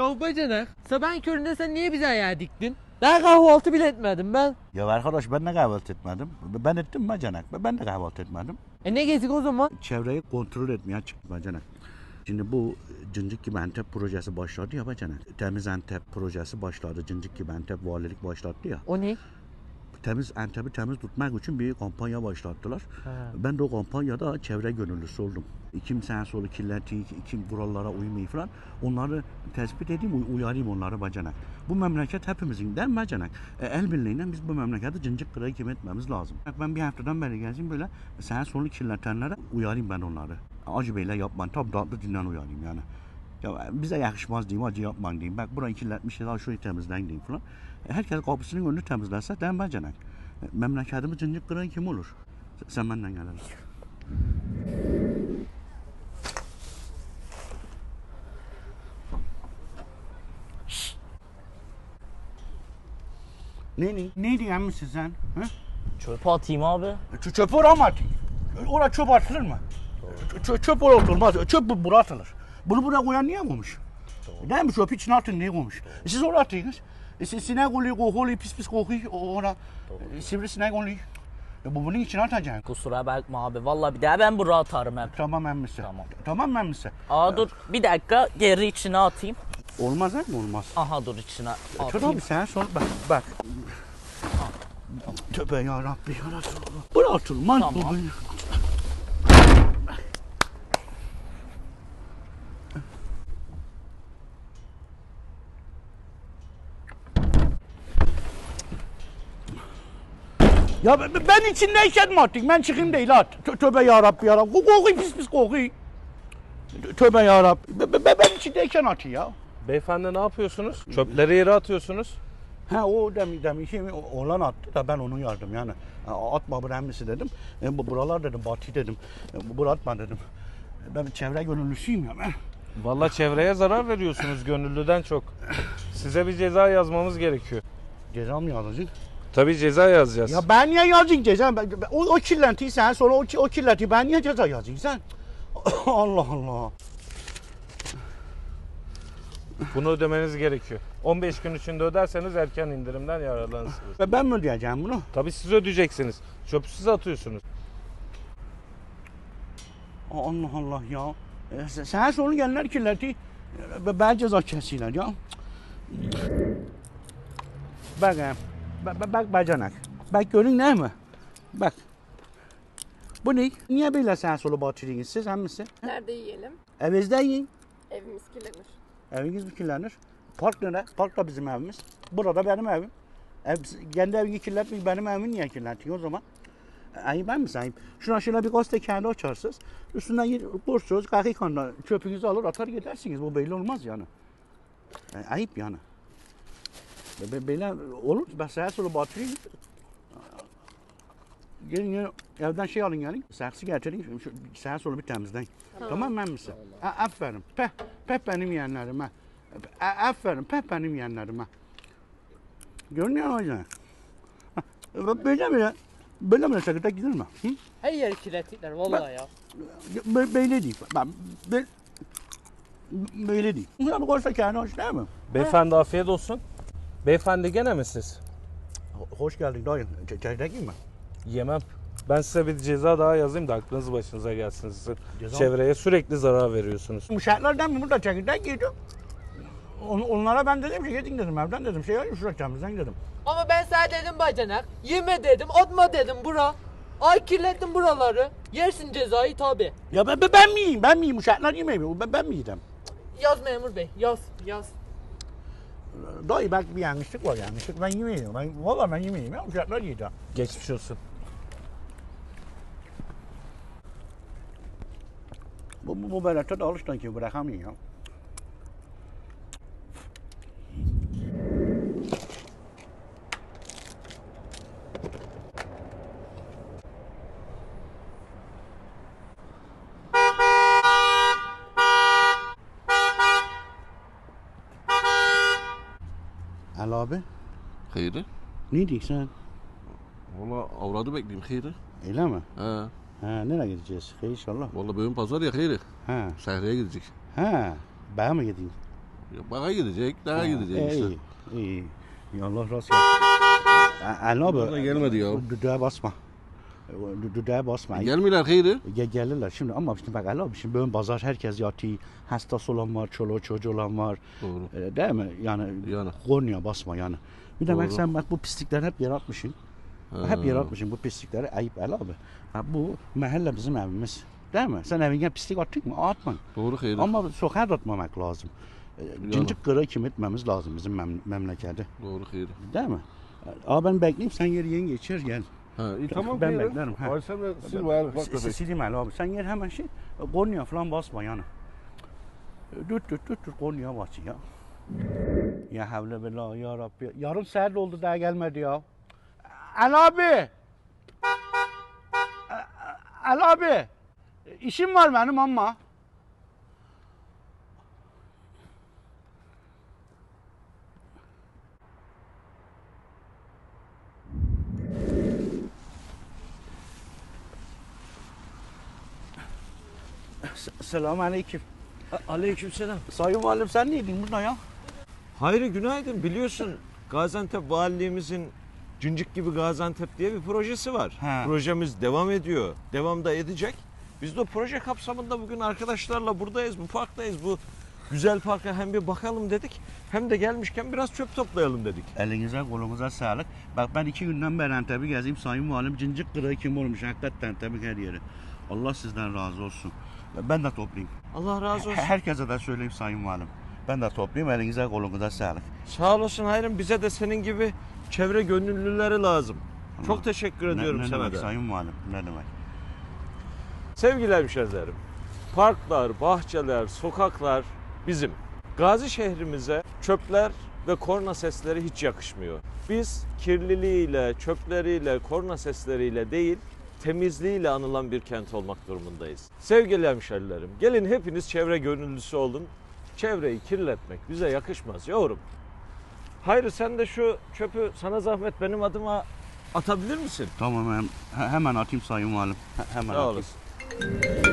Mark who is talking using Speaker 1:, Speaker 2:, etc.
Speaker 1: Ya bacanak, sabahın köründe sen niye bize ayağa diktin? Daha kahvaltı bile etmedim ben.
Speaker 2: Ya arkadaş ben de kahvaltı etmedim. Ben ettim bacanak. Ben de kahvaltı etmedim.
Speaker 1: Ne gezdik o zaman?
Speaker 2: Çevreyi kontrol etmeye çıktım bacanak. Şimdi bu Cıncık gibi Antep projesi başladı ya bacanak. Temiz Antep projesi başladı. Cıncık gibi Antep valilik başlattı ya.
Speaker 1: O ne?
Speaker 2: Temiz Antep'i temiz tutmak için bir kampanya başlattılar.
Speaker 1: Ha.
Speaker 2: Ben de o kampanyada çevre gönüllüsü oldum. Kim sağa solu kirletiyor, kim buralara uymuyor falan. Onları tespit edeyim, uyarayım onları bacanak. Bu memleket hepimizin değil mi bacanak? El birliğiyle biz bu memleketi cıncık kırığı kim etmemiz lazım. Ben bir haftadan beri gezeyim böyle sağa solu kirletenlere uyarayım ben onları. Acı beyle yapmayın, tabi tatlı dinlen uyarayım yani. Ya bize yakışmaz diyeyim, acı yapmayın diyeyim. Bak burayı kirletmişler, şurayı temizleyin diyeyim falan. Herkes kapısının önünü temizlerse değil mi bacanak? Memleketimiz cıncık kırığı kim olur? Sen benden gelelim. Ne diyen misin sen? Ha?
Speaker 3: Çöpe atayım abi.
Speaker 2: Çöp oraya mı atayım? Oraya çöp atılır mı? Çöp oraya atılmaz. Çöp buraya atılır. Bunu buraya koyan niye koymuş? Değil mi? Çöp içine atın niye koymuş? Siz oraya atıyorsunuz. Sinek oluyor, kokuyor, pis kokuyor. Oraya sivrisinek oluyor. Bu bunun içine atacaksın.
Speaker 3: Kusura bakma abi. Vallahi bir daha ben buraya atarım hep.
Speaker 2: Tamam emmisi. Tamam emmisi.
Speaker 3: Dur bir dakika geri içine atayım.
Speaker 2: Olmaz ha mı? Olmaz.
Speaker 3: Aha dur içine atayım.
Speaker 2: Tabii sen sonra bak. Tövbe yarabbi ya Resulallah. Buraya atılmaz.
Speaker 3: Tamam.
Speaker 2: Ya ben içindeyken mi attın? Ben çıkayım değil at. Tövbe yarabbi ya Rabbi. Kokuyor pis kokuyor. Tövbe yarabbi. Ben içindeyken atayım ya.
Speaker 4: Beyefendi ne yapıyorsunuz? Çöpleri yere atıyorsunuz.
Speaker 2: Ha o demin oğlan attı da ben onu yardım yani. Atma bu emmisi dedim. Buralar dedim Batı dedim. Bura atma dedim. Ben çevre gönüllüsüyüm ya ben.
Speaker 4: Vallahi çevreye zarar veriyorsunuz gönüllüden çok. Size bir ceza yazmamız gerekiyor.
Speaker 2: Ceza mı yazacak?
Speaker 4: Tabii ceza yazacağız.
Speaker 2: Ya ben niye yazacağım ceza? O kirlentiyi sen sonra o kirlentiyi ben niye ceza yazacağım sen? Allah Allah.
Speaker 4: Bunu ödemeniz gerekiyor. 15 gün içinde öderseniz erken indirimden yararlanırsınız.
Speaker 2: Ben mi ödeyeceğim bunu?
Speaker 4: Tabii siz ödeyeceksiniz. Çöpü siz atıyorsunuz.
Speaker 2: Allah Allah ya. Sen sonra gelenler kirletiyi ben ceza kesiyorlar ya. Bak bacanak. Bak görün değil mi? Bak. Bu ne? Niye böyle sen solu batırıyorsunuz siz hemisi?
Speaker 5: Nerede yiyelim?
Speaker 2: Evinizde yiyin.
Speaker 5: Evimiz kirlenir.
Speaker 2: Eviniz mi kirlenir? Park nere? Park da bizim evimiz. Burada benim evim. Kendi evini kirletmek benim evimi niye kirletiyor o zaman? Ayıp ben mi sayayım? Şuna bir gazete kendi açarsınız. Üstünden kursunuz, kakikanda çöpünüzü alır atar gidersiniz. Bu belli olmaz yani. Ayıp yani. Böyle olur. Ben sağa sola batırayım. Gelin evden şey alın gelin. Saksı getirin. Sağa sola bir temizleyin. Tamam mı misin? Aferin. Peh benim yeğenlerime. Aferin. Peh benim yeğenlerime. Görünüyor mu hocam? Böyle sakıta gidilir mi? Hı?
Speaker 1: Her yeri kirlettikler vallahi ya.
Speaker 2: Böyle değil. Böyle değil. Buna bir koysa kendi hoş değil mi?
Speaker 4: Beyefendi afiyet olsun. Beyefendi gene mi siz?
Speaker 2: Hoş geldin dayı. Çekirdek mi?
Speaker 4: Yemem. Ben size bir ceza daha yazayım da aklınız başınıza gelsin sizin.
Speaker 2: Ceza mı?
Speaker 4: Çevreye sürekli zarar veriyorsunuz.
Speaker 2: Uşaklardan mı burada çekirdek yedim. Onlara ben dedim ki gidin dedim evden dedim. Şuraya temizlen dedim.
Speaker 1: Ama ben sana dedim bacanak, yeme dedim, atma dedim bura. Ay kirlettin buraları. Yersin cezayı tabi.
Speaker 2: Ya ben mi yiyeyim? Ben mi yiyeyim? Uşaklar yemeği mi? Ben mi yiyeceğim?
Speaker 1: Yaz memur bey, yaz.
Speaker 2: Dayı belki bir yanlışlık var yanlışlık. Ben yemeyeyim. Valla ben yemeyeyim ya. Uşaklar yiyeceğim.
Speaker 4: Geçmiş olsun.
Speaker 2: Bu böyle tadı alıştan ki bırakamıyor ya. Ali abi,
Speaker 6: Hayırı?
Speaker 2: ne diyorsun sen?
Speaker 6: Valla avradı bekleyeyim hayırı.
Speaker 2: Öyle mi?
Speaker 6: He.
Speaker 2: Ha, nereye gideceğiz? İnşallah.
Speaker 6: Valla bugün pazar ya hayırı.
Speaker 2: Ha,
Speaker 6: Şehriye gidecek.
Speaker 2: ha. Ben mi gideyim?
Speaker 6: Ya bana gidecek, daha gidecek işte.
Speaker 2: İyi. Ya Allah razı olsun. Ali
Speaker 6: Bana
Speaker 2: abi.
Speaker 6: gelmedi ya.
Speaker 2: Düdüğe basma. Düdüğe basma.
Speaker 6: Gelmiyorlar Hayri.
Speaker 2: Gelirler şimdi ama şimdi bak Ali abi şimdi böyle pazar herkes yatıyor. Hastası olan var, çoluğu çocuğu olan var.
Speaker 6: Doğru.
Speaker 2: Değil mi? Yani kornaya basma yani. Bir de bak
Speaker 6: Doğru.
Speaker 2: sen bak bu pislikleri hep yaratmışsın. Hep yaratmışsın bu pislikleri. Ayıp Ali abi. Bak bu mahalle bizim evimiz. Değil mi? Sen evine pislik attın mı? Atma.
Speaker 6: Doğru Hayri.
Speaker 2: Ama sokağa da atmamak lazım. Cincik kırığı kim etmemiz lazım bizim memlekette.
Speaker 6: Doğru Hayri.
Speaker 2: Değil mi? Abi ben bekleyeyim sen yeri geçir gel.
Speaker 6: Ha, iyi, tamam
Speaker 2: Ben
Speaker 6: Hayri.
Speaker 2: beklerim, ha.
Speaker 6: Ay sen de sil bayağı bak köpek.
Speaker 2: Sileyim Ali abi. Sen yer hemen kornaya falan basma yani. Düt kornaya bas ya. Ya havle bela ya Rabbi. Yarım saat oldu daha gelmedi ya. Ali abi. Ali abi. İşim var benim ama. Selamun aleyküm.
Speaker 7: Aleykümselam.
Speaker 2: Sayın Valim sen neydin burada ya?
Speaker 7: Hayri günaydın. Biliyorsun Gaziantep Valiliğimizin Cıncık gibi Gaziantep diye bir projesi var.
Speaker 2: He.
Speaker 7: Projemiz devam ediyor. Devam da edecek. Biz de o proje kapsamında bugün arkadaşlarla buradayız. Bu parktayız. Bu güzel parka hem bir bakalım dedik. Hem de gelmişken biraz çöp toplayalım dedik.
Speaker 2: Elinize kolunuza sağlık. Bak ben 2 günden beri Antep'i gezeyim. Sayın Valim cincik kırığı kim olmuş hakikaten Antep'in her yeri. Allah sizden razı olsun. Ben de toplayayım.
Speaker 7: Allah razı olsun.
Speaker 2: Herkese de söyleyeyim Sayın Valim. Ben de toplayayım. Elinize kolunuza sağlık.
Speaker 7: Sağ olasın Hayrım. Bize de senin gibi çevre gönüllüleri lazım. Çok teşekkür ediyorum
Speaker 2: ne
Speaker 7: sana
Speaker 2: demek
Speaker 7: da.
Speaker 2: Sayın Valim? Ne demek?
Speaker 7: Sevgili hemşehrilerim, parklar, bahçeler, sokaklar bizim. Gazi şehrimize çöpler ve korna sesleri hiç yakışmıyor. Biz kirliliğiyle, çöpleriyle, korna sesleriyle değil, temizliğiyle anılan bir kent olmak durumundayız. Sevgili hemşehrilerim, gelin hepiniz çevre gönüllüsü olun. Çevreyi kirletmek bize yakışmaz yorum. Hayır sen de şu çöpü sana zahmet benim adıma atabilir misin?
Speaker 2: Tamam hemen atayım Sayın Valim. Hemen
Speaker 7: Sağ
Speaker 2: atayım.
Speaker 7: olasın.